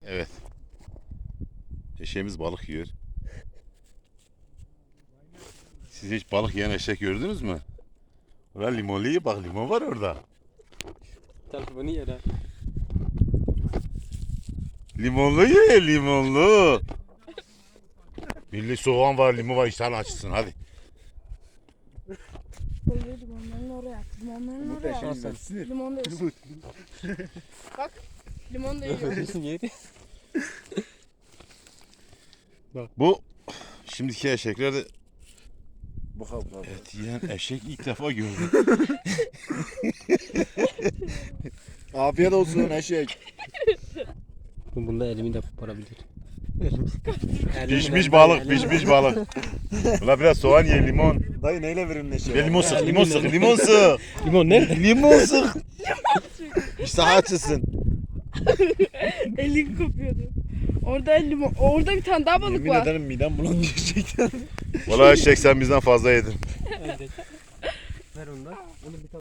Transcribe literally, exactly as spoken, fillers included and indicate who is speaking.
Speaker 1: Evet. Eşeğimiz balık yiyor. Siz hiç balık yiyen eşek gördünüz mü? Ulan limonlu ye, bak limon var orada.
Speaker 2: Telefonu yer ha.
Speaker 1: Limonlu ye, limonlu. Milli soğan var, limon var, iştahın açsın hadi.
Speaker 3: Öyle limonların oraya. Limonların
Speaker 4: Bu da
Speaker 3: oraya.
Speaker 4: şeyden sinir.
Speaker 3: Limon da yiyorsun. Bak. Limon da yiyor.
Speaker 2: Görüyorsun yeri.
Speaker 1: Bu şimdiki eşekler de
Speaker 4: Bu kadar.
Speaker 1: et yiyen eşek ilk defa gördüm.
Speaker 4: Afiyet olsun eşek.
Speaker 2: Bunda elimi de koparabilir.
Speaker 1: Pişmiş balık, pişmiş balık. Ulan biraz soğan ye, limon.
Speaker 4: Dayı neyle verin eşeğe?
Speaker 1: Ve limon sık, limon sık, limon sık.
Speaker 2: Limon nerede?
Speaker 1: Limon sık. İştah açsın.
Speaker 3: Elin kopuyordu. Orada limon. Orada bir tane daha balık
Speaker 4: Yemin
Speaker 3: var.
Speaker 4: ederim midem bulandı gerçekten.
Speaker 1: Vallahi eşek sen bizden fazla yedin.
Speaker 2: Ver ondan. Onu bir